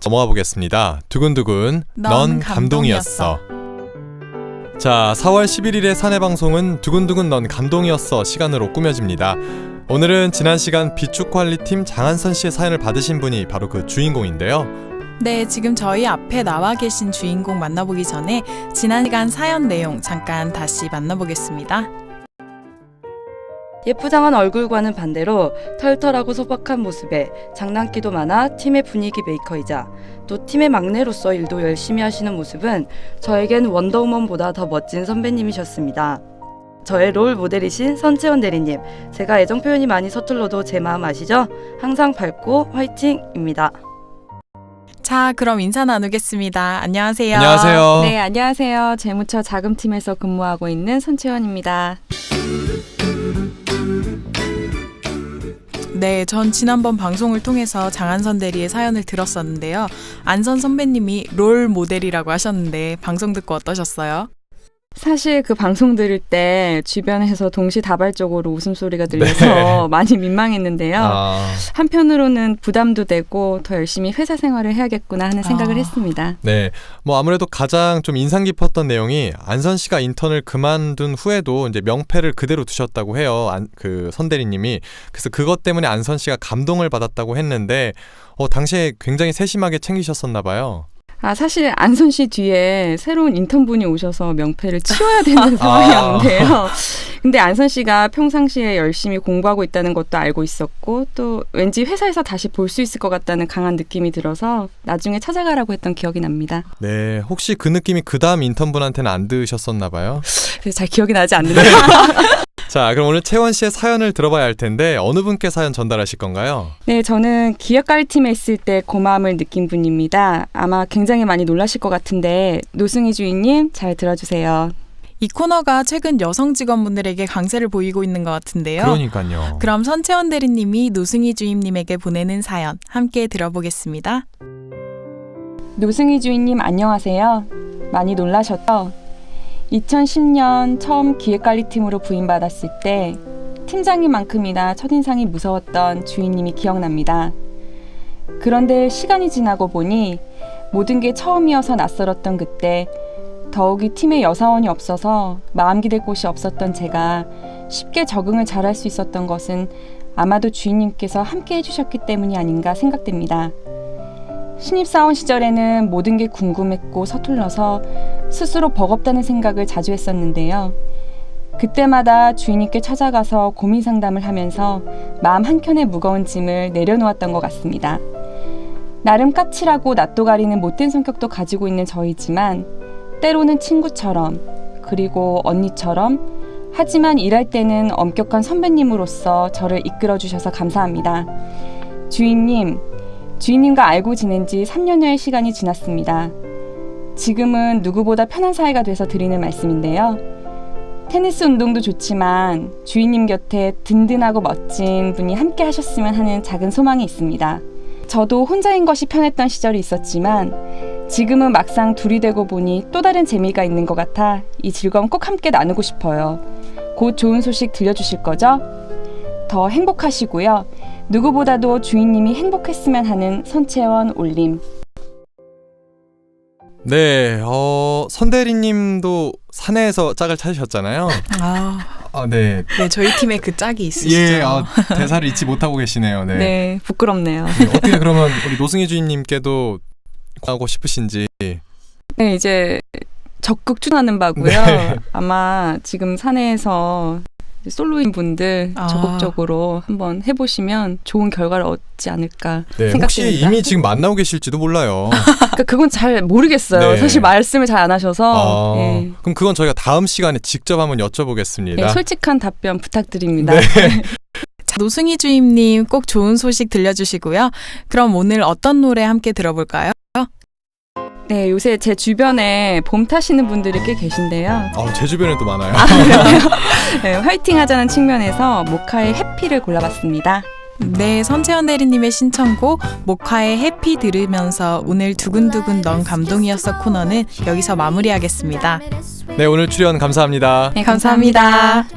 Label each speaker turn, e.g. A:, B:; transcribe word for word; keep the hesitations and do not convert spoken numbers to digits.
A: 모아 보겠습니다. 두근두근 넌,
B: 넌
A: 감동이었어.
B: 감동이었어.
A: 자, 사월 십일일의 사내 방송은 두근두근 넌 감동이었어 시간으로 꾸며집니다. 오늘은 지난 시간 비축관리팀 장한선 씨의 사연을 받으신 분이 바로 그 주인공인데요.
B: 네, 지금 저희 앞에 나와 계신 주인공 만나보기 전에 지난 시간 사연 내용 잠깐 다시 만나보겠습니다.
C: 예쁘장한 얼굴과는 반대로 털털하고 소박한 모습에 장난기도 많아 팀의 분위기 메이커이자 또 팀의 막내로서 일도 열심히 하시는 모습은 저에겐 원더우먼보다 더 멋진 선배님이셨습니다. 저의 롤 모델이신 선채원 대리님, 제가 애정 표현이 많이 서툴러도 제 마음 아시죠? 항상 밝고 화이팅입니다.
B: 자, 그럼 인사 나누겠습니다. 안녕하세요.
A: 안녕하세요.
C: 네, 안녕하세요. 재무처 자금팀에서 근무하고 있는 선채원입니다.
B: 네, 전 지난번 방송을 통해서 장한선 대리의 사연을 들었었는데요. 안선 선배님이 롤 모델이라고 하셨는데 방송 듣고 어떠셨어요?
C: 사실 그 방송 들을 때 주변에서 동시다발적으로 웃음소리가 들려서
A: 네.
C: 많이 민망했는데요.
A: 아,
C: 한편으로는 부담도 되고 더 열심히 회사 생활을 해야겠구나 하는 생각을
B: 아.
C: 했습니다.
A: 네, 뭐 아무래도 가장 좀 인상 깊었던 내용이 안선 씨가 인턴을 그만둔 후에도 이제 명패를 그대로 두셨다고 해요. 안, 그 선대리님이. 그래서 그것 때문에 안선 씨가 감동을 받았다고 했는데 어, 당시에 굉장히 세심하게 챙기셨었나 봐요.
C: 아, 사실 안선 씨 뒤에 새로운 인턴분이 오셔서 명패를 치워야 되는 상황이었는데요. 근데 안선 씨가 평상시에 열심히 공부하고 있다는 것도 알고 있었고 또 왠지 회사에서 다시 볼 수 있을 것 같다는 강한 느낌이 들어서 나중에 찾아가라고 했던 기억이 납니다.
A: 네, 혹시 그 느낌이 그 다음 인턴분한테는 안 드셨었나 봐요?
C: 그래서 잘 기억이 나지 않는데요.
A: 자, 그럼 오늘 채원 씨의 사연을 들어봐야 할 텐데 어느 분께 사연 전달하실 건가요?
C: 네, 저는 기획관리팀에 있을 때 고마움을 느낀 분입니다. 아마 굉장히 많이 놀라실 것 같은데 노승희 주인님 잘 들어주세요.
B: 이 코너가 최근 여성 직원분들에게 강세를 보이고 있는 것 같은데요.
A: 그러니까요.
B: 그럼 선채원 대리님이 노승희 주임님에게 보내는 사연 함께 들어보겠습니다.
C: 노승희 주인님 안녕하세요. 많이 놀라셨죠? 이천십 년 처음 기획관리팀으로 부임받았을 때 팀장님만큼이나 첫인상이 무서웠던 주인님이 기억납니다. 그런데 시간이 지나고 보니 모든 게 처음이어서 낯설었던 그때 더욱이 팀에 여사원이 없어서 마음 기댈 곳이 없었던 제가 쉽게 적응을 잘할 수 있었던 것은 아마도 주인님께서 함께 해주셨기 때문이 아닌가 생각됩니다. 신입사원 시절에는 모든 게 궁금했고 서툴러서 스스로 버겁다는 생각을 자주 했었는데요. 그때마다 주인님께 찾아가서 고민 상담을 하면서 마음 한켠에 무거운 짐을 내려놓았던 것 같습니다. 나름 까칠하고 낯도 가리는 못된 성격도 가지고 있는 저이지만 때로는 친구처럼 그리고 언니처럼 하지만 일할 때는 엄격한 선배님으로서 저를 이끌어주셔서 감사합니다. 주인님, 주인님과 알고 지낸 지 삼 년여의 시간이 지났습니다. 지금은 누구보다 편한 사이가 돼서 드리는 말씀인데요. 테니스 운동도 좋지만 주인님 곁에 든든하고 멋진 분이 함께 하셨으면 하는 작은 소망이 있습니다. 저도 혼자인 것이 편했던 시절이 있었지만 지금은 막상 둘이 되고 보니 또 다른 재미가 있는 것 같아 이 즐거움 꼭 함께 나누고 싶어요. 곧 좋은 소식 들려주실 거죠? 더 행복하시고요. 누구보다도 주인님이 행복했으면 하는 선채원 올림.
A: 네, 어, 선대리님도 사내에서 짝을 찾으셨잖아요.
B: 아,
A: 아, 네.
B: 네, 저희 팀에 그 짝이 있으시죠.
A: 예, 아, 대사를 잊지 못하고 계시네요. 네.
C: 네, 부끄럽네요.
A: 네, 어떻게 그러면 우리 노승희 주임님께도 하고 싶으신지.
C: 네, 이제 적극 추천하는 바고요.
A: 네.
C: 아마 지금 사내에서 솔로인 분들
B: 아.
C: 적극적으로 한번 해보시면 좋은 결과를 얻지 않을까
A: 네,
C: 생각됩니다.
A: 혹시 이미 지금 만나고 계실지도 몰라요.
C: 그러니까 그건 잘 모르겠어요.
A: 네.
C: 사실 말씀을 잘 안 하셔서.
A: 아,
C: 예.
A: 그럼 그건 저희가 다음 시간에 직접 한번 여쭤보겠습니다.
C: 예, 솔직한 답변 부탁드립니다.
A: 네.
B: 자, 노승희 주임님 꼭 좋은 소식 들려주시고요. 그럼 오늘 어떤 노래 함께 들어볼까요?
C: 네, 요새 제 주변에 봄 타시는 분들이 꽤 계신데요.
A: 아, 제 주변에도 많아요.
C: 네, 화이팅 하자는 측면에서 모카의 해피를 골라봤습니다.
B: 네, 선채원 대리님의 신청곡 모카의 해피 들으면서 오늘 두근두근 넌 감동이었어 코너는 여기서 마무리하겠습니다.
A: 네, 오늘 출연 감사합니다.
C: 네,
B: 감사합니다.